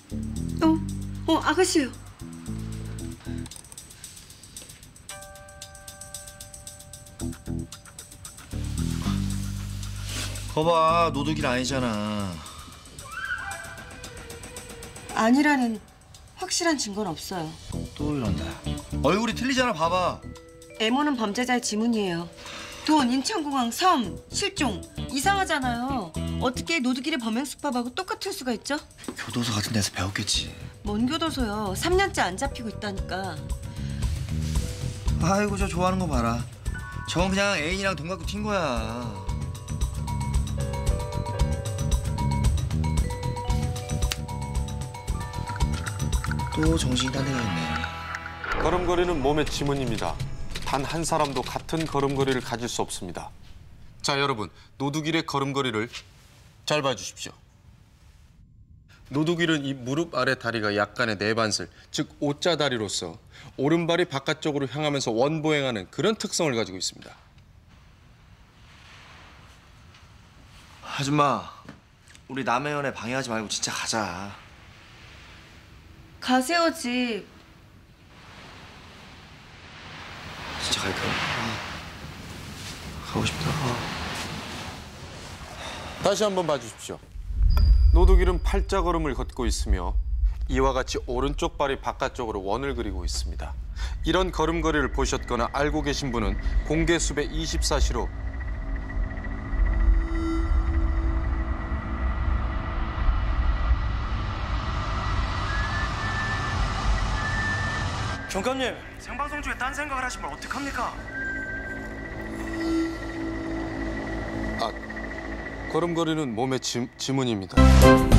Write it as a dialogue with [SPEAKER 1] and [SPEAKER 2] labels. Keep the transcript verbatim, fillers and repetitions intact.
[SPEAKER 1] 어, 어, 아가씨요.
[SPEAKER 2] 거봐, 노드길 아니잖아.
[SPEAKER 1] 아니라는 확실한 증거는 없어요.
[SPEAKER 2] 또 이런다. 얼굴이 틀리잖아, 봐봐.
[SPEAKER 1] M호는 범죄자의 지문이에요. 돈, 인천공항, 섬, 실종. 이상하잖아요. 어떻게 노드길의 범행수법하고 똑같을 수가 있죠?
[SPEAKER 2] 교도소 같은 데서 배웠겠지.
[SPEAKER 1] 뭔 교도소요. 삼 년째 안 잡히고 있다니까.
[SPEAKER 2] 아이고, 저 좋아하는 거 봐라. 저건 그냥 애인이랑 돈 갖고 튄 거야. 또 정신이 딴 데가 있네.
[SPEAKER 3] 걸음걸이는 몸의 지문입니다. 단 한 사람도 같은 걸음걸이를 가질 수 없습니다. 자, 여러분, 노두길의 걸음걸이를 잘 봐주십시오. 노두길은 이 무릎 아래 다리가 약간의 내반슬, 즉 오자 다리로서 오른발이 바깥쪽으로 향하면서 원보행하는 그런 특성을 가지고 있습니다.
[SPEAKER 2] 아줌마, 우리 남의 연애 방해하지 말고 진짜 가자.
[SPEAKER 1] 가세요, 집.
[SPEAKER 2] 진짜 갈까? 아, 가고 싶다. 아.
[SPEAKER 3] 다시 한번 봐주십시오. 노두길은 팔자걸음을 걷고 있으며 이와 같이 오른쪽 발이 바깥쪽으로 원을 그리고 있습니다. 이런 걸음걸이를 보셨거나 알고 계신 분은 공개수배 이십사 시로
[SPEAKER 4] 경감님, 생방송 중에 딴 생각을 하시면 어떡합니까?
[SPEAKER 3] 아, 걸음걸이는 몸의 지, 지문입니다.